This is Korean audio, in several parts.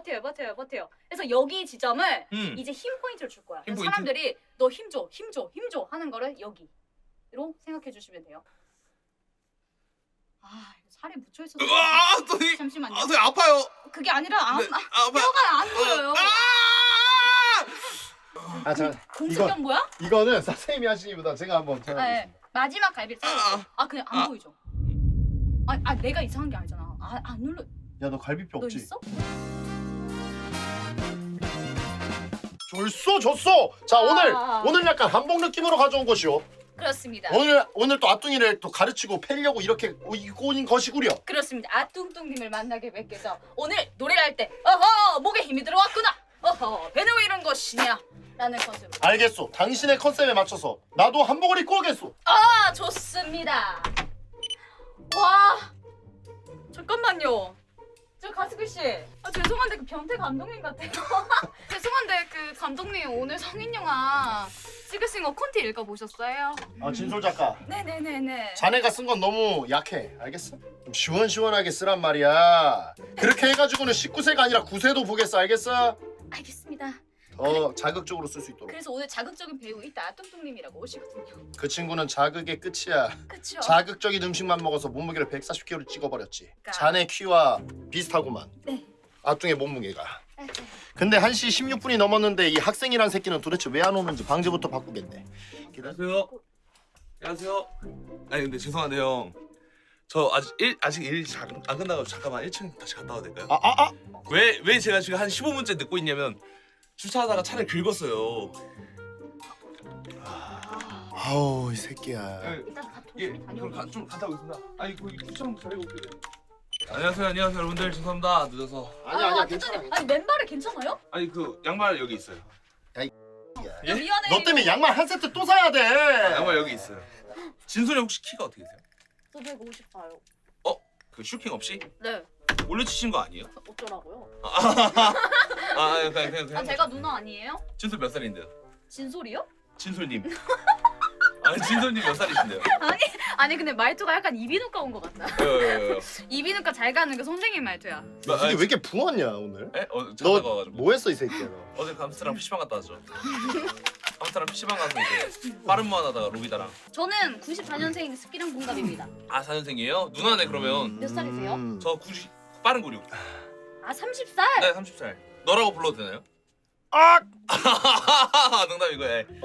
버텨요. 그래서 여기 지점을 이제 힘 포인트를 줄 거야. 그래서 사람들이 너 힘 줘 하는 거를 여기로 생각해 주시면 돼요. 아, 살이 묻혀 있어서. 잠시만요. 아, 선생님 아파요. 그게 아니라 네, 뼈가 안 보여요. 아, 자, 공수경 뭐야? 이거는 선생님이 하시기보다 제가 한번 네. 해보겠습니다. 마지막 갈비를 잘랐어. 그냥 안 보이죠? 내가 이상한 게 아니잖아. 안 눌러. 야, 너 갈비뼈 너 없지? 있어? 줬어. 자, 오늘 약간 한복 느낌으로 가져온 것이요. 그렇습니다. 오늘 또 아뚱이를 또 가르치고 패려고 이렇게 입고 온 것이구려. 그렇습니다. 아뚱뚱님을 만나게 뵙게 돼서 오늘 노래를 할 때 어허 목에 힘이 들어왔구나. 어허 배는 왜 이런 것이냐 라는 컨셉으로. 알겠소. 당신의 컨셉에 맞춰서 나도 한복을 입고 오겠소. 좋습니다. 와 잠깐만요. 저 가스글 씨, 죄송한데 그 변태 감독님 같아요. 죄송한데 그 감독님 오늘 성인 영화 찍으신 거 콘티 읽어보셨어요? 진솔 작가. 네네네네. 자네가 쓴 건 너무 약해. 알겠어? 좀 시원시원하게 쓰란 말이야. 그렇게 해가지고는 19세가 아니라 9세도 보겠어. 알겠어? 알겠습니다. 더 자극적으로 쓸 수 있도록. 그래서 오늘 자극적인 배우 이따 아뚱뚱님이라고 오시거든요. 그 친구는 자극의 끝이야. 그쵸? 자극적인 음식만 먹어서 몸무게를 140kg 찍어버렸지. 그러니까. 자네 키와 비슷하구만. 네. 아뚱의 몸무게가. 근데 1시 16분이 넘었는데 이 학생이란 새끼는 도대체 왜 안 오는지 방제부터 바꾸겠네. 안녕하세요. 안녕하세요. 아니 근데 죄송한데 형. 저 아직 일 안 끝나가지고 잠깐만 1층 다시 갔다 와도 될까요? 왜 제가 지금 한 15분째 늦고 있냐면 주차하다가 차를 긁었어요. 아우 이 새끼야. 일단 다 예, 조심히 그럼 다녀오세요. 좀 갔다 오겠습니다. 아니 거기 주차장 잘해 올게요. 안녕하세요 여러분들 죄송합니다 늦어서. 아니야 괜찮아요. 괜찮아. 아니 맨발에 괜찮아요? 아니 그 양말 여기 있어요. 예? 미안해. 너 때문에 양말 한 세트 또 사야 돼. 양말 여기 있어요. 진솔이 혹시 키가 어떻게 되세요? 저 154요. 그 슈킹 없이 네. 올려치신 거 아니에요? 어쩌라고요? 그냥. 제가 누나 아니에요? 진솔 몇 살인데요? 진솔이요? 진솔님. 진솔님 몇 살이신데요? 아니 근데 말투가 약간 이비인후과 온 것 같다. 이비인후과 잘 가는 그 선생님 말투야. 이게 왜 이렇게 부었냐 오늘? 에? 너 자다가 와가지고. 뭐 했어 이 새끼야 너? 어제 감스랑 PC방 갔다 왔죠. 감스랑 PC방 가서 이제 빠른 무한 하다가 로비다랑. 저는 94년생 스키랑 동갑입니다. 4년생이에요? 누나네 그러면. 몇 살이세요? 저 90 빠른 96. 30살? 네 30살. 너라고 불러도 되나요? 농담이고.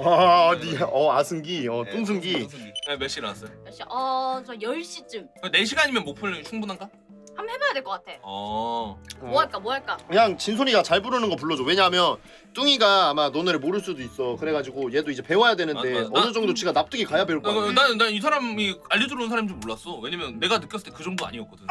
아승기 뚱승기. 네, 몇 시에 일어났어요? 몇 시? 저 10시쯤. 4시간이면 목표는 충분한가? 한번 해봐야 될 것 같아. 어. 뭐 할까? 그냥 진솔이가 잘 부르는 거 불러줘. 왜냐하면 뚱이가 아마 너네를 모를 수도 있어. 그래가지고 얘도 이제 배워야 되는데 맞아. 어느 정도 지가 납득이 가야 배울 거야. 난 이 사람이 알려주는 사람인 줄 몰랐어. 왜냐면 내가 느꼈을 때 그 정도 아니었거든.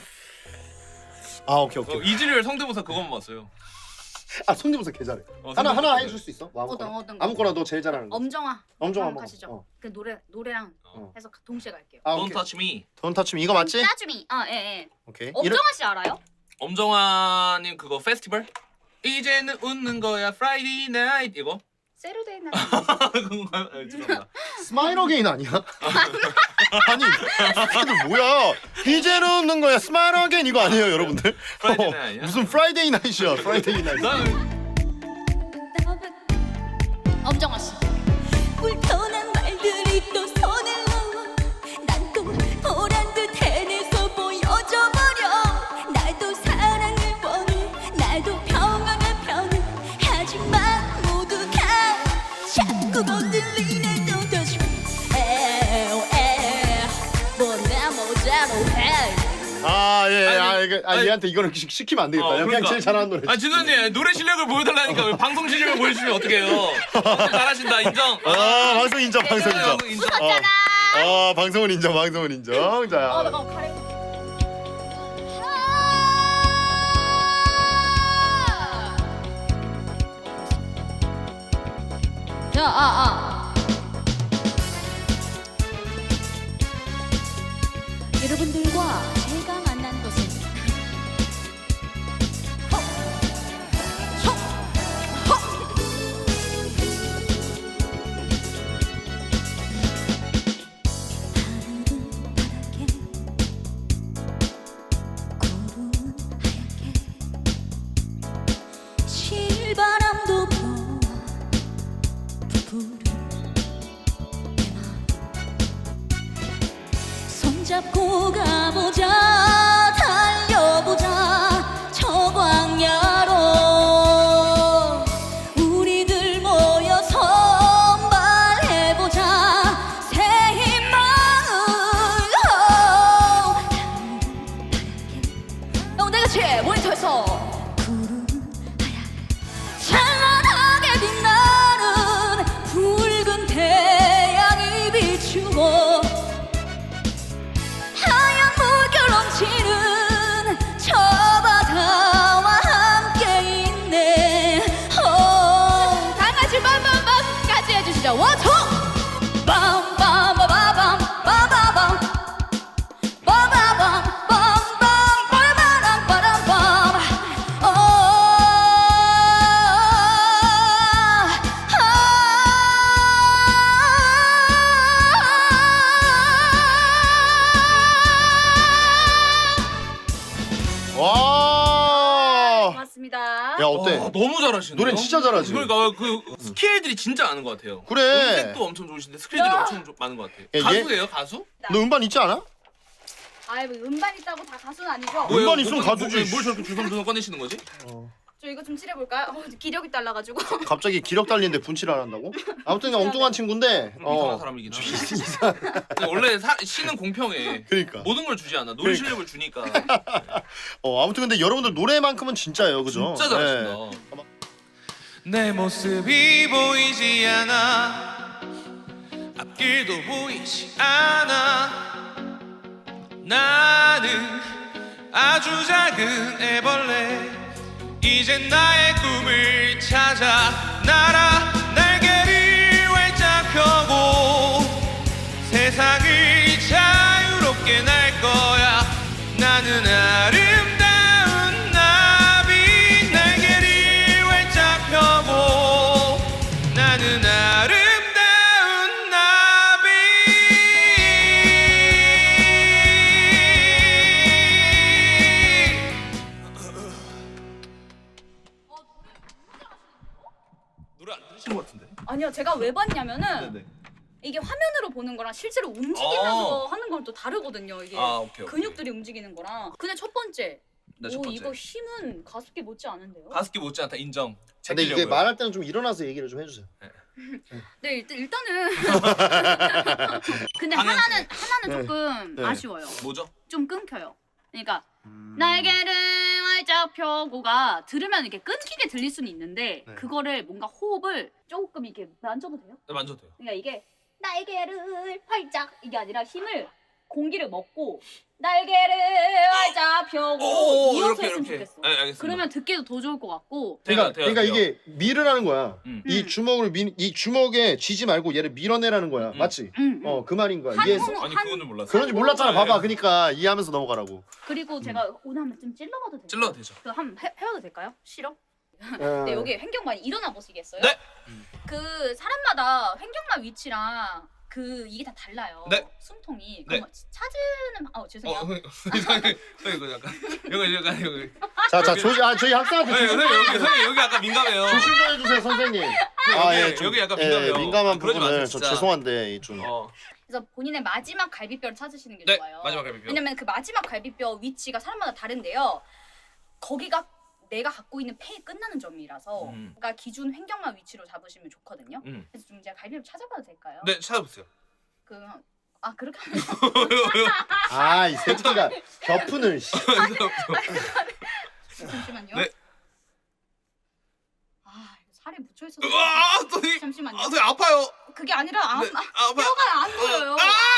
오케이. 이즈리얼 성대모사 그것만 봤어요. 성대모사 개 잘해. 하나 성대모사 해줄 수 있어? 뭐 아무거나. 어떤 거? 아무거나 너 제일 잘하는 거. 엄정화. 엄정화 한번 먹어. 가시죠. 그 노래랑 해서 동시에 갈게요. Don't touch me. 돈 타치면 이거 맞지? 짜주미. 예. 오케이. 엄정화 씨 알아요? 엄정화님 그거 페스티벌? 이제는 웃는 거야 Friday night 이거? 세르데이 날. 그건가요? 죄송합니다. 스마일 어게인 아니야? 아니 새끼들 뭐야? 이제는 웃는 거야 스마일 어게인 이거 아니에요 여러분들? 프라이데이 나잇 아니야? 무슨 프라이데이 나이트야 프라이데이 나이트. 엄정화 씨. 불편한 말들이 또 손을 넣어 난 또 보란 듯 해내서 보여줘 버려 나도 사랑을 원해 날도 평안한 편을 하지만 모두가 자꾸 건들리네 Don't touch me 뭐나 모자로 해 얘한테 이거는 시키면 안 되겠다. 그냥 그러니까. 제일 잘하는 노래. 진선님 노래 실력을 보여달라니까 왜 방송 실력을 보여주시면 어떡해요? 잘하신다 인정. 방송 인정. 웃었잖아. 방송은 인정. 자. 나 가래. 여러분들과 제가 만난 것은 하늘은 파랗게 구름은 하얗게 손잡고 가보자 달려보자 저 광야로 우리들 모여서 말해보자 새 희망을 다같이 모니터에서 찬란하게 빛나는 붉은 태양이 비추고 하얀 물결 넘치는 저 바다와 함께 있네 다같이 빰빰빰 같이 해주시죠 원투 빰빰빠바밤 빠바밤 빠바밤 빰빰 빠라바람 빠람빰 와. 고맙습니다. 야 어때? 와, 너무 잘하시네요. 노래는 진짜 잘하지. 그러니까 그 스킬들이 진짜 많은 것 같아요. 그래. 음색도 엄청 좋으신데 스킬들이 야. 엄청 많은 것 같아요. 얘- 가수예요, 가수? 너 음반 있지 않아? 아이 뭐 음반 있다고 다 가수는 아니죠? 뭐야? 음반 있으면 가수지. 뭘 저렇게 주섬주섬 꺼내시는 거지? 저 이거 좀 칠해볼까요? 기력이 달라가지고. 갑자기 기력 달리는데 분칠을 안 한다고? 아무튼 그냥 엉뚱한 친구인데. 이상한 사람이긴 하죠. 근데 원래 시는 공평해. 그러니까. 모든 걸 주지 않아. 노래 그러니까. 실력을 주니까. 아무튼 근데 여러분들 노래만큼은 진짜예요, 그죠? 진짜 잘하신다. 내 모습이 보이지 않아 앞길도 보이지 않아 나는 아주 작은 애벌레 이젠 나의 꿈을 찾아 날아 날개를 활짝 펴고 세상을 자유롭게 날 거야 나는 아름다운 나비 날개를 활짝 펴고 나는 아름다운 나비 노래 안 들으신 것 같은데? 아니요, 제가 왜 봤냐면은 네네. 이게 화면으로 보는 거랑 실제로 움직이면서 하는 건 또 다르거든요. 이게 아 오케이. 근육들이 움직이는 거랑. 근데 첫 번째, 네, 첫 오 번째. 이거 힘은 가습기 못지 않은데요? 가습기 못지않다 인정. 근데 이게 제끼려고요. 말할 때는 좀 일어나서 얘기를 좀 해주세요. 네 일단은 근데 하나는 조금 네. 아쉬워요. 뭐죠? 좀 끊겨요. 그러니까 날개를 활짝 펴고가 들으면 이렇게 끊기게 들릴 수는 있는데 네. 그거를 뭔가 호흡을 조금 이렇게 만져도 돼요? 네, 만져도 돼요. 그러니까 이게 날개를 활짝 이게 아니라 힘을 공기를 먹고 날개를 활짝 펴고 이렇게 했으면 좋겠어. 네, 알겠습니다. 그러면 듣기도 더 좋을 것 같고. 그러니까 이게 밀으라는 거야. 음. 이 주먹을 이 주먹에 쥐지 말고 얘를 밀어내라는 거야. 맞지? 그 말인 거야. 이해했어? 아니 그거는 몰랐어. 그런지 몰랐잖아. 네. 봐봐. 그러니까 이해하면서 넘어가라고. 그리고 제가 오늘 한번 좀 찔러봐도 돼요? 찔러도 되죠. 그 한번 해봐도 될까요? 싫어? 네, 네, 여기 횡격막이 일어나 보시겠어요? 네. 그 사람마다 횡격막 위치랑 그 이게 다 달라요. 네. 숨통이. 네. 그럼 찾으는 죄송해요. 이거 약간 여기. 자, 저희 학생한테 여기 약간 민감해요. 조심 좀 해주세요, 선생님. 여기 약간 민감해요. 민감한 그러지 부분을 마세요, 저 진짜. 죄송한데 좀. 그래서 본인의 마지막 갈비뼈를 찾으시는 게 네, 좋아요. 마지막 갈비뼈. 왜냐면 그 마지막 갈비뼈 위치가 사람마다 다른데요. 거기가 내가 갖고 있는 폐의 끝나는 점이라서 그러니까 기준 횡격막 위치로 잡으시면 좋거든요. 그래서 좀 제가 갈비뼈 찾아봐도 될까요? 네, 찾아보세요. 그렇게 하면 이 새끼가 겹푼을. 씨. 잠시만요. 네. 이거 살이 묻혀 있어서 선생님. 잠시만요. 선생님 아파요. 그게 아니라 네, 아파요. 뼈가 안 보여요.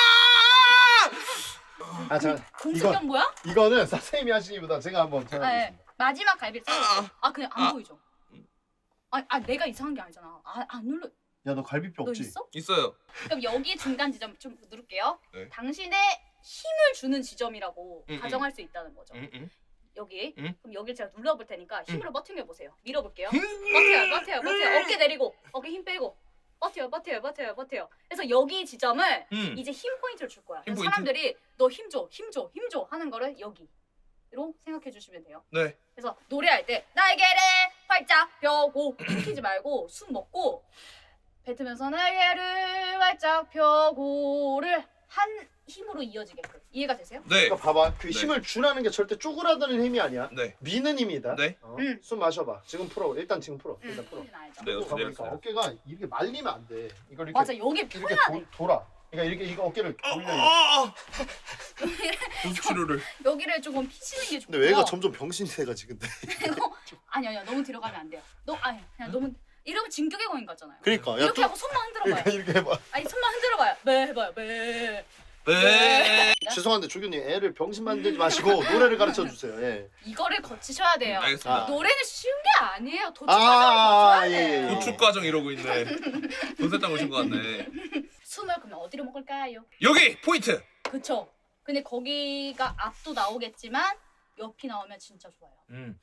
자, 공수경 뭐야? 이거는 선생님이 하시기보다 제가 한번 네. 찾아보겠습니다. 마지막 갈비 찾았어. 그냥 안 보이죠? 내가 이상한 게 아니잖아. 안 눌러. 야, 너 갈비뼈 너 없지? 있어? 있어요. 그럼 여기 중간 지점 좀 누를게요. 네. 당신의 힘을 주는 지점이라고 가정할 수 있다는 거죠. 여기. 그럼 여기를 제가 눌러볼 테니까 힘으로 버팅해 보세요. 밀어볼게요. 버텨요. 어깨 내리고, 어깨 힘 빼고. 버텨요. 그래서 여기 지점을 이제 힘 포인트를 줄 거야. 힘 그래서 포인트? 사람들이 너 힘 줘 하는 거를 여기로 생각해 주시면 돼요. 네. 그래서 노래할 때 날개를 활짝 펴고 숨기지 말고 숨 먹고 뱉으면서 날개를 활짝 펴고를 한 힘으로 이어지게끔. 이해가 되세요? 네. 그러니까 봐봐. 그 네. 힘을 주라는 게 절대 쪼그라드는 힘이 아니야. 네. 미는 힘이다. 네. 숨 마셔봐. 지금 풀어. 일단 지금 풀어. 일단 풀어. 알죠. 네. 그러니까 내렸어요. 어깨가 이렇게 말리면 안 돼. 이걸 이렇게 맞아, 여기 이렇게 펴야 돼. 돌아. 그러니까 이렇게 이거 어깨를 돌려. 보습 치료를. 여기를 조금 피시는 게 좋고. 근데 얘가 점점 병신이 돼가지고 근데. 아니야, 너무 들어가면 안 돼요. 그냥 너무 이러면 진격의 거인 같잖아요. 그러니까 야 이렇게 또 하고 손만 흔들어봐요. 그러니까 이렇게 해봐. 아니 손만 흔들어봐요. 매 해봐요. 매. 네. 죄송한데 조교님 애를 병신 만들지 마시고 노래를 가르쳐 주세요. 예. 이거를 거치셔야 돼요. 알겠습니다. 노래는 쉬운 게 아니에요. 도축 과정을 거쳐야 돼요. 예. 도축 과정 이러고 있네. 돈세땅 오신 것 같네. 숨을 그러면 어디로 먹을까요? 여기 포인트. 그쵸. 근데 거기가 앞도 나오겠지만 옆이 나오면 진짜 좋아요.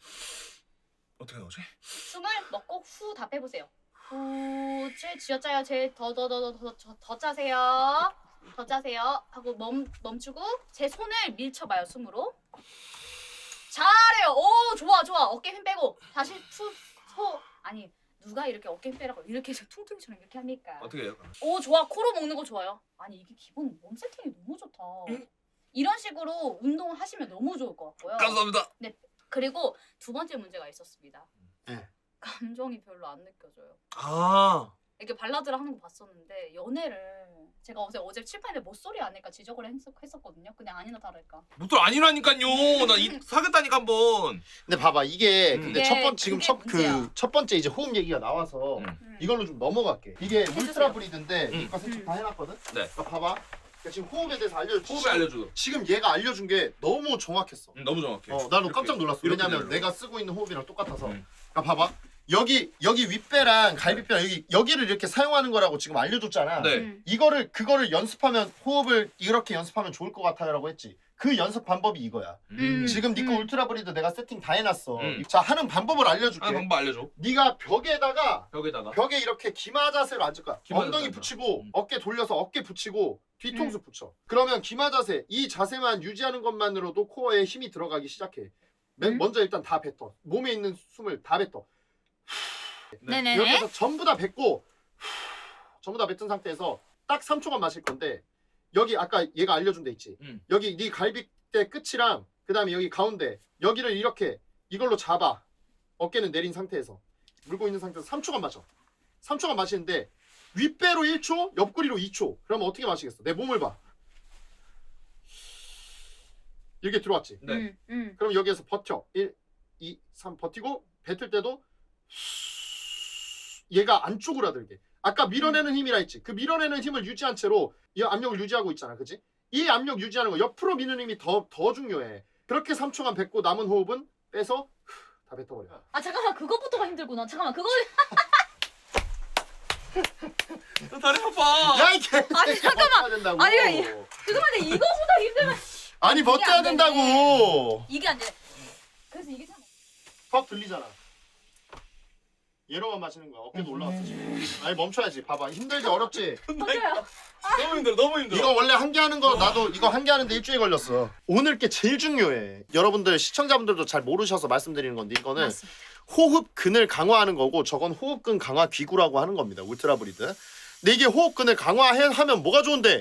어떻게 나오지? 숨을 먹고 후 다 빼보세요. 후, 쥐어짜요. 더 짜세요. 더 짜세요. 하고 멈추고 제 손을 밀쳐봐요. 숨으로. 잘해요. 오, 좋아. 어깨 힘 빼고 다시 아니 누가 이렇게 어깨 힘 빼라고 이렇게 해서 퉁퉁이처럼 이렇게 합니까? 어떻게 해요? 오, 좋아. 코로 먹는 거 좋아요. 아니 이게 기본 몸 세팅이 너무 좋다. 이런 식으로 운동을 하시면 너무 좋을 것 같고요. 감사합니다. 그리고 두 번째 문제가 있었습니다. 네. 감정이 별로 안 느껴져요. 아. 이렇게 발라드를 하는 거 봤었는데 연애를 제가 어제 칠판에 못소리 아닐까 지적을 했었거든요. 그냥 아니나 다를까. 목소리 아니라니까요. 나 사겠다니까 한번. 근데 봐봐 이게 음. 근데 이게 지금 그게 문제야. 첫 번째 이제 호흡 얘기가 나와서 이걸로 좀 넘어갈게. 이게 울트라 브리드인데 이거 세척 다 해놨거든. 네. 그러니까 봐봐. 그러니까 지금 호흡에 대해서 알려줘. 호흡에 알려줘. 지금 얘가 알려준 게 너무 정확했어. 너무 정확해. 나도 이렇게, 깜짝 놀랐어. 이렇게 왜냐면 되더라고. 내가 쓰고 있는 호흡이랑 똑같아서. 음. 그러니까 봐봐. 여기 윗배랑 갈비뼈랑 여기를 이렇게 사용하는 거라고 지금 알려줬잖아. 네. 그거를 연습하면 호흡을 이렇게 연습하면 좋을 것 같아요라고 했지. 그 연습 방법이 이거야. 지금 니꺼 울트라 브리드 내가 세팅 다 해놨어. 자 하는 방법을 알려줄게. 하는 방법 알려줘. 네가 벽에다가 벽에다가. 벽에 이렇게 기마 자세로 앉을 거야. 기마 엉덩이 자세 붙이고 앉아. 어깨 돌려서 어깨 붙이고 뒤통수 붙여. 그러면 기마 자세 이 자세만 유지하는 것만으로도 코어에 힘이 들어가기 시작해. 먼저 일단 다 뱉어. 몸에 있는 숨을 다 뱉어. 네네네. 여기서 전부 다 뱉고 전부 다 뱉은 상태에서 딱 3초간 마실 건데 여기 아까 얘가 알려준 데 있지. 여기 네 갈비뼈 끝이랑 그 다음에 여기 가운데 여기를 이렇게 이걸로 잡아. 어깨는 내린 상태에서 물고 있는 상태에서 3초간 마셔. 3초간 마시는데 윗배로 1초, 옆구리로 2초. 그러면 어떻게 마시겠어? 내 몸을 봐. 이렇게 들어왔지. 네. 그럼 여기에서 버텨. 1, 2, 3 버티고 뱉을 때도 얘가 안 쪼그라들게. 아까 밀어내는 힘이라 했지. 그 밀어내는 힘을 유지한 채로 이 압력을 유지하고 있잖아. 그치? 이 압력 유지하는 거 옆으로 미는 힘이 더 중요해. 그렇게 3초간 뱉고 남은 호흡은 빼서 다 뱉어버려. 아 잠깐만 그것부터가 힘들구나. 잠깐만 그거 다리 아파. 야, 이 개. 아니, 잠깐만. 버텨야 된다고. 아니, 죄송한데 이거보다 힘들면 아니, 이게 버텨야 안 되네. 된다고. 이게 안 돼. 그래서 이게 참 턱 들리잖아. 얘로만 마시는 거야. 어깨도 올라왔어 지금. 아니 멈춰야지. 봐봐. 힘들지 어렵지. 맞아요. 너무 힘들어. 너무 힘들어. 이거 원래 한 개 하는 거 나도 이거 한 개 하는데 일주일 걸렸어. 오늘 게 제일 중요해. 여러분들 시청자분들도 잘 모르셔서 말씀드리는 건데 이거는 맞습니다. 호흡근을 강화하는 거고 저건 호흡근 강화 기구라고 하는 겁니다. 울트라 브리드. 근데 이게 호흡근을 강화하면 뭐가 좋은데?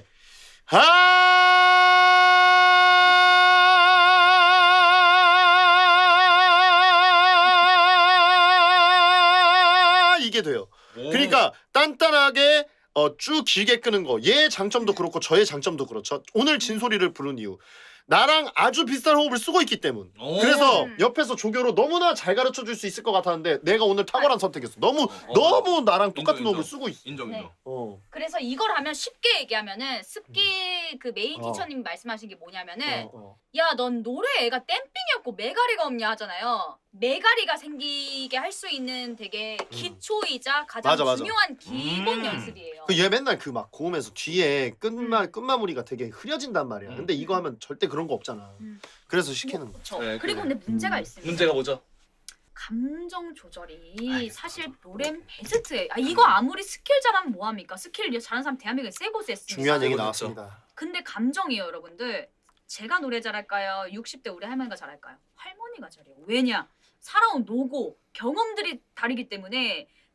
이게 돼요. 그러니까 단단하게 쭉 길게 끄는 거. 얘의 장점도 그렇고 저의 장점도 그렇죠. 오늘 진소리를 부른 이유. 나랑 아주 비슷한 호흡을 쓰고 있기 때문. 오. 그래서 옆에서 조교로 너무나 잘 가르쳐 줄 수 있을 것 같았는데 내가 오늘 탁월한 선택했어. 너무 나랑 똑같은 인정, 호흡을 쓰고 있어. 인정. 네. 인정. 그래서 이걸 하면 쉽게 얘기하면은 습기 그 메인 어. 티처님 말씀하신 게 뭐냐면은 어. 야 넌 노래 애가 땜삥이었고 메가리가 없냐 하잖아요. 메가리가 생기게 할 수 있는 되게 기초이자 가장 맞아. 중요한 기본 연습이에요. 얘 맨날 그 막 고음에서 뒤에 끝마무리가 되게 흐려진단 말이야. 근데 이거 하면 절대 그런 거 없잖아. 그래서 시키는 거. 그렇죠. 네, 그리고 그래. 근데 문제가 있습니다. 문제가 뭐죠? 감정 조절이 사실 노래 베스트예요. 이거 아무리 스킬 잘하면 뭐합니까? 스킬 잘하는 사람 대한민국에 세 곳에 있습니다. 중요한 얘기 그렇죠. 나왔습니다. 근데 감정이에요, 여러분들. 제가 노래 잘할까요? 60대 우리 할머니가 잘할까요? 할머니가 잘해요. 왜냐? 살아온 노고, 경험들이 다르기 때문에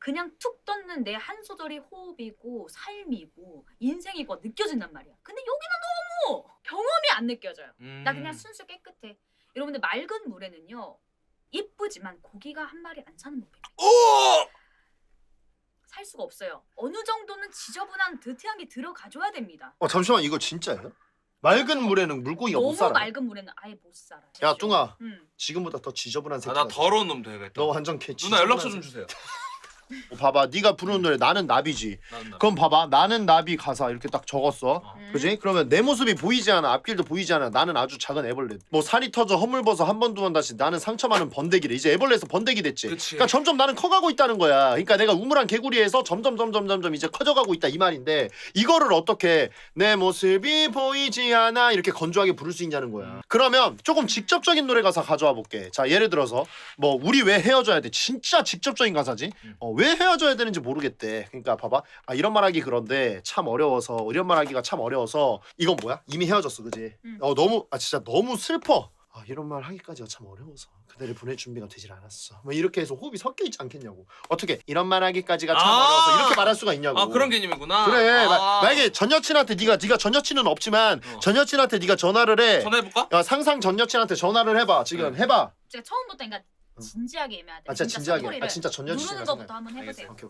그냥 툭 떴는 내 한 소절이 호흡이고 삶이고 인생이고 느껴진단 말이야. 근데 여기는 너무 경험이 안 느껴져요. 나 그냥 순수 깨끗해. 여러분들 맑은 물에는요 이쁘지만 고기가 한 마리 안 사는 법이에요. 오! 살 수가 없어요. 어느 정도는 지저분한 드티한 게 들어가줘야 됩니다. 잠시만 이거 진짜예요? 맑은 물에는 물고기가 못 너무 살아. 맑은 물에는 아예 못 살아. 야 뚱아, 응. 지금보다 더 지저분한 아, 새끼. 나 더러운 놈 되겠다. 너 완전 개. 누나 연락처 좀 주세요. 봐봐, 네가 부르는 노래 나는 나비지. 나. 그럼 봐봐, 나는 나비 가사 이렇게 딱 적었어. 그지? 그러면 내 모습이 보이지 않아, 앞길도 보이지 않아. 나는 아주 작은 애벌레. 뭐 살이 터져 허물벗어 한 번 두 번 다시 나는 상처 많은 번데기래. 이제 애벌레에서 번데기 됐지. 그치. 그러니까 점점 나는 커가고 있다는 거야. 그러니까 내가 우물한 개구리에서 점점 이제 커져가고 있다 이 말인데 이거를 어떻게 내 모습이 보이지 않아 이렇게 건조하게 부를 수 있냐는 거야. 그러면 조금 직접적인 노래 가사 가져와 볼게. 자 예를 들어서 뭐 우리 왜 헤어져야 돼? 진짜 직접적인 가사지. 왜 헤어져야 되는지 모르겠대. 그러니까 봐봐. 아 이런 말하기 그런데 참 어려워서 이런 말하기가 참 어려워서 이건 뭐야? 이미 헤어졌어, 그지? 너무 진짜 너무 슬퍼. 아 이런 말 하기까지가 참 어려워서 그대를 보낼 준비가 되질 않았어. 뭐 이렇게 해서 호흡이 섞여 있지 않겠냐고. 어떻게 이런 말 하기까지가 참 어려워서 이렇게 말할 수가 있냐고. 아 그런 개념이구나. 그래. 만약에 전 여친한테 네가 전 여친은 없지만 전 여친한테 네가 전화를 해. 전화해볼까? 야 상상 전 여친한테 전화를 해봐. 지금 해봐. 제가 처음부터 그러니까 진지하게 임해야 돼. 아 진짜 진지하게. 스토리를 아 진짜 전 누르는 여친이랑 것부터 한번 해보세요. 오케이.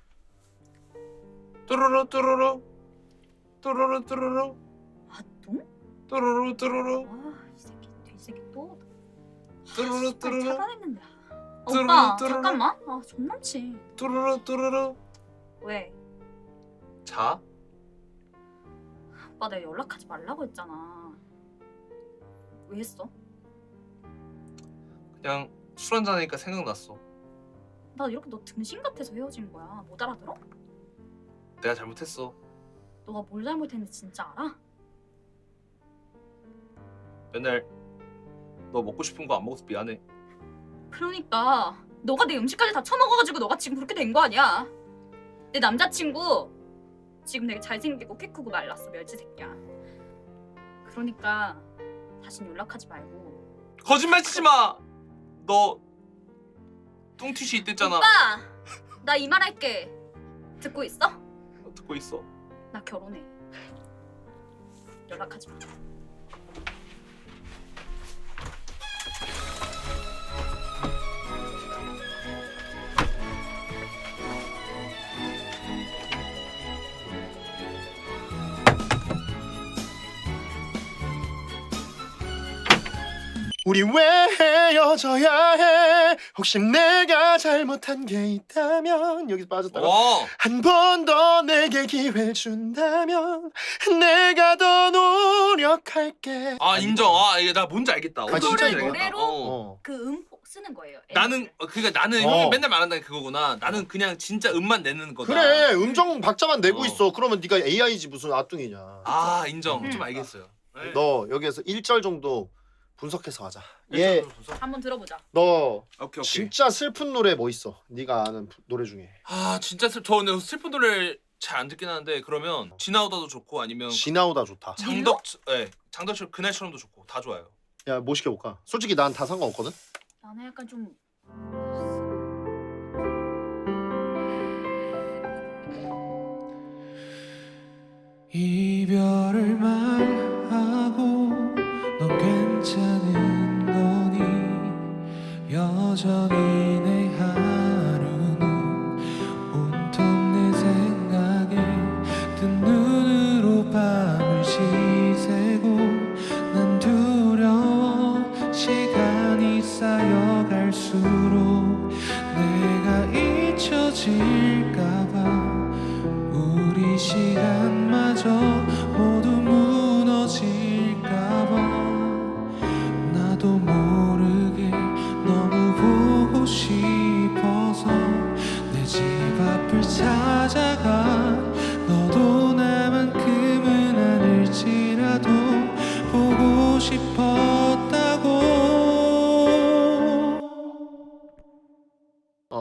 뚜루루 뚜루루 뚜루루 뚜루루 아 똥? 뚜루루 뚜루루 와이 새끼 또 뚜루루 뚜루루 차단했는데. 뚜루루, 오빠 뚜루루. 잠깐만. 아 존남치. 뚜루루 뚜루루. 왜? 자. 오빠 내가 연락하지 말라고 했잖아. 왜 했어? 그냥 술 한잔 하니까 생각났어. 나 이렇게 너 등신 같아서 헤어진 거야. 못 알아들어? 내가 잘못했어. 너가 뭘 잘못했는지 진짜 알아? 맨날 너 먹고 싶은 거 안 먹어서 미안해. 그러니까 너가 내 음식까지 다 처먹어가지고 너가 지금 그렇게 된 거 아니야. 내 남자친구 지금 되게 잘생기고 키 크고 말랐어. 멸치 새끼야. 그러니까 다신 연락하지 말고. 거짓말 치지 마. 너 뚱티슈 있댔잖아. 오빠 나 이 말 할게. 듣고 있어? 듣고 있어. 나 결혼해. 연락하지 마. 우리 왜 헤어져야 해? 혹시 내가 잘못한 게 있다면 여기서 빠졌다가 한 번 더 내게 기회 준다면 내가 더 노력할게. 아 인정. 아 이게 나 뭔지 알겠다. 아, 진짜 그거를 알겠다. 노래로 그 음포 쓰는 거예요. 나는 그러니까 나는 형이 맨날 말한다는 그거구나. 나는 그냥 진짜 음만 내는 거다. 그래 음정 박자만 내고 있어. 그러면 네가 AI지 무슨 아뚱이냐. 아 인정. 좀 알겠어요. 네. 너 여기에서 1절 정도 분석해서 하자. 예. 한번 들어보자. 너 오케이. 진짜 슬픈 노래 뭐 있어? 네가 아는 노래 중에. 아 진짜 저 근데 슬픈 노래 잘 안 듣긴 하는데 그러면 지나오다도 좋고 아니면 지나오다 좋다. 장덕철 그날처럼도 좋고 다 좋아요. 야 뭐 시켜볼까? 솔직히 난 다 상관없거든. 나는 약간 좀 이별을 말하고 넌 괜찮은 거니 여전히 내 하루는 온통 내 생각에 뜬 눈으로 밤을 지새고 난 두려워 시간이 쌓여갈수록 내가 잊혀질까봐 우리 시간마저 모두 무너질까봐 나도 모르게 너무 보고 싶어서 내 집 앞을 찾아가 너도 나만큼은 아닐지라도 보고 싶었다고.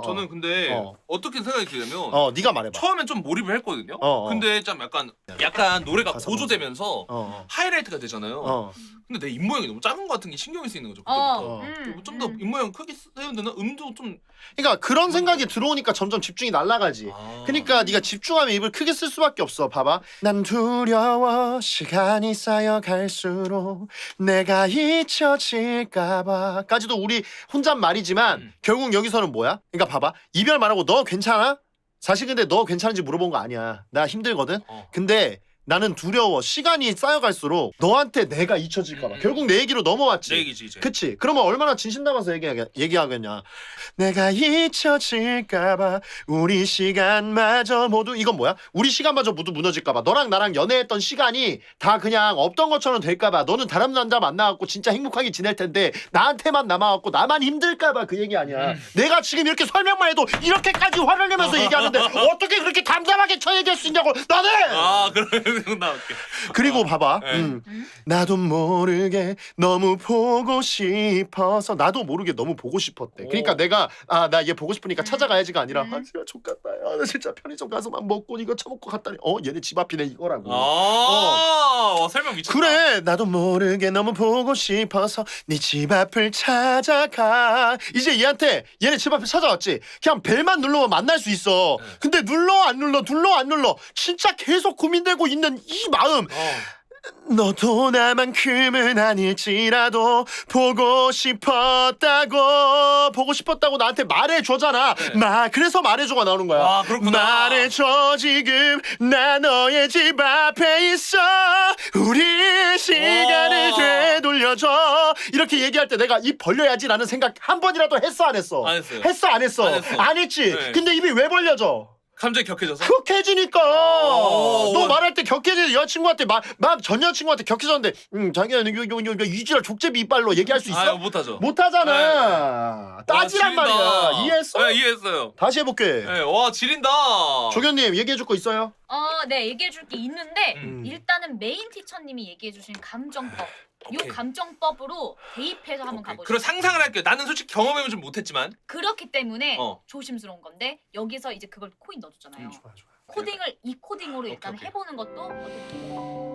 저는 근데 어떻게 생각이 드냐면 네가 말해봐. 처음엔 좀 몰입을 했거든요. 근데 좀 약간 노래가 고조되면서 하이라이트가 되잖아요. 근데 내 입모양이 너무 작은 것 같은 게 신경이 쓰이는 거죠. 그때부터. 좀 더 입모양 크게 세우면 되나? 음도 좀. 그러니까 그런 생각이 들어오니까 점점 집중이 날아가지. 그러니까 네가 집중하면 입을 크게 쓸 수밖에 없어. 봐봐. 난 두려워 시간이 쌓여갈수록 내가 잊혀질까봐까지도 우리 혼잣말이지만 결국 여기서는 뭐야? 그러니까 봐봐. 이별 말하고 너 괜찮아? 사실 근데 너 괜찮은지 물어본 거 아니야. 나 힘들거든. 근데 나는 두려워. 시간이 쌓여갈수록 너한테 내가 잊혀질까봐. 결국 내 얘기로 넘어왔지. 내 얘기지 이제. 그치? 그러면 얼마나 진심 담아서 얘기하겠냐. 내가 잊혀질까봐 우리 시간마저 모두 이건 뭐야? 우리 시간마저 모두 무너질까봐. 너랑 나랑 연애했던 시간이 다 그냥 없던 것처럼 될까봐. 너는 다른 남자 만나갖고 진짜 행복하게 지낼 텐데 나한테만 남아갖고 나만 힘들까봐 그 얘기 아니야. 내가 지금 이렇게 설명만 해도 이렇게까지 화를 내면서 얘기하는데 어떻게 그렇게 담담하게 쳐 얘기할 수 있냐고. 나는! 그래. 나올게. 그리고 봐봐. 나도 모르게 너무 보고 싶어서 나도 모르게 너무 보고 싶었대. 그러니까 내가 나 얘 보고 싶으니까 찾아가야지가 아니라 진짜 족같다. 나 진짜 편의점 가서만 먹고 이거 처먹고 갔다니 얘네 집 앞이네 이거라고. 설명 미쳤다. 그래 나도 모르게 너무 보고 싶어서 네 집 앞을 찾아가. 이제 얘한테 얘네 집 앞에 찾아왔지. 그냥 벨만 누르면 만날 수 있어. 근데 눌러 안 눌러 진짜 계속 고민되고 있는 이 마음. 너도 나만큼은 아닐지라도 보고 싶었다고 나한테 말해줘잖아. 그래서 말해줘가 나오는 거야. 그렇구나. 말해줘 지금 나 너의 집 앞에 있어 우리 시간을 되돌려줘. 이렇게 얘기할 때 내가 입 벌려야지라는 생각 한 번이라도 했어 안 했어? 안 했어요. 했어 안 했어? 안 했어. 안 했지. 네. 근데 입이 왜 벌려져? 감정이 격해져서? 격해지니까. 너 말할 때 격해지. 여자친구한테 막 전 여자친구한테 격해졌는데 자기야 이지랄 족제비 이빨로 얘기할 수 있어? 못하죠. 못하잖아. 따지란 지린다. 말이야. 이해했어? 네, 이해했어요. 다시 해볼게. 네, 와 지린다. 조견님 얘기해줄 거 있어요? 네, 얘기해줄 게 있는데 일단은 메인 티처님이 얘기해주신 감정법. 이 오케이. 감정법으로 대입해서 한번 가보죠. 그럼 상상을 할게요. 나는 솔직히 경험해보진 못했지만 그렇기 때문에 조심스러운 건데 여기서 이제 그걸 코인 넣어줬잖아요. 좋아. 코딩을 이 코딩으로 일단 오케이. 해보는 것도 어떻게?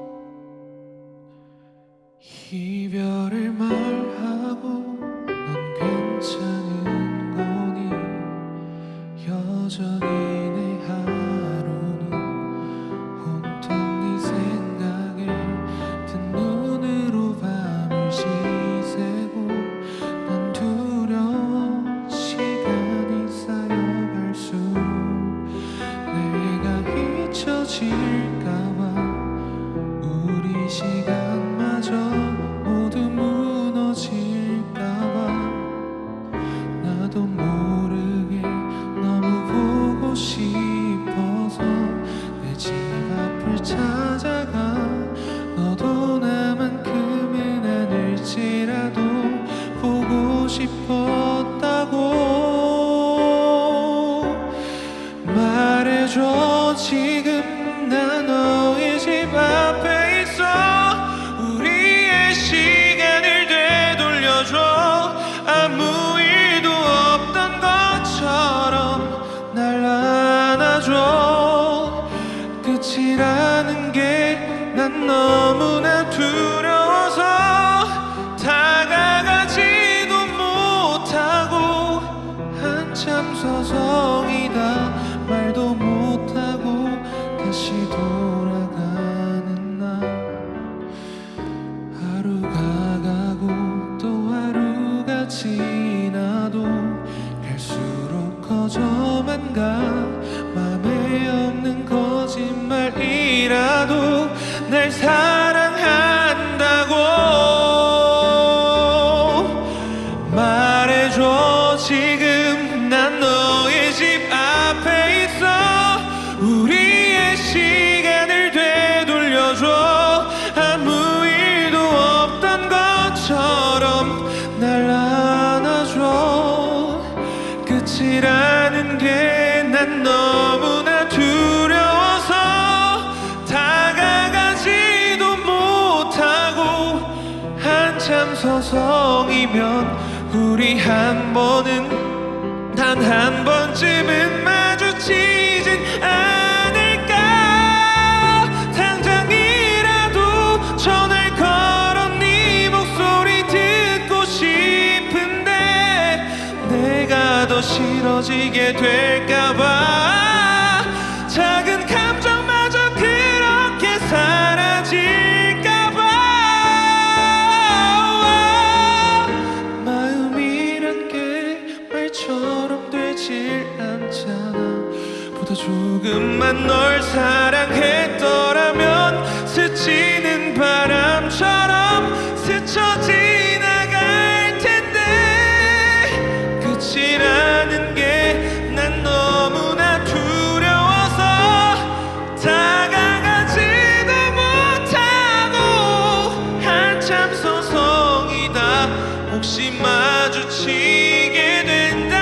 이별을 말하고 넌 괜찮은 거니 여전히 내 하루는 온통 네 생각에 든 눈으로 밤을 지새고 난 두려워 시간이 쌓여갈수록 내가 잊혀질까봐 우리 시간마저 모두 무너질까봐 나도 모르게 너무 보고 싶어서 내 집 앞을 찾아가 너도 나만큼은 아닐지라도 보고 싶었다고 말해줘 지금 나 너의 집 앞에 있어 우리의 시간을 되돌려줘 아무 일도 없던 것처럼 날 안아줘 끝이라는 게 난 너무나 두려워서 다가가지도 못하고 한참 서성이다 말도 못하고 다시 돌아가는 날 하루가 가고 또 하루가 지나도 갈수록 커져만 가 맘에 없는 거짓말이라도 날 사랑한다고 말해줘 지금 난 너의 집 앞에 있어 우리의 시간을 되돌려줘 아무 일도 없던 것처럼 날 안아줘 끝이라는 게 난 너무나 두려워서 다가가지도 못하고 한참 서성이면 우리 한 번은 단 한 번쯤은 마주치진 않을까. 당장이라도 전화를 걸어 네 목소리 듣고 싶은데 내가 더 싫어지게 될까봐 작은 감정마저 그렇게 사라질까봐. 마음이란 게 말처럼 되질 않잖아. 보다 조금만 널 사랑했더라면 스치는 바람처럼 스쳐 지나갈 텐데 끝이라는 게 난 너무나 두려워서 다가가지도 못하고 한참 서성이다 혹시 마주치게 된다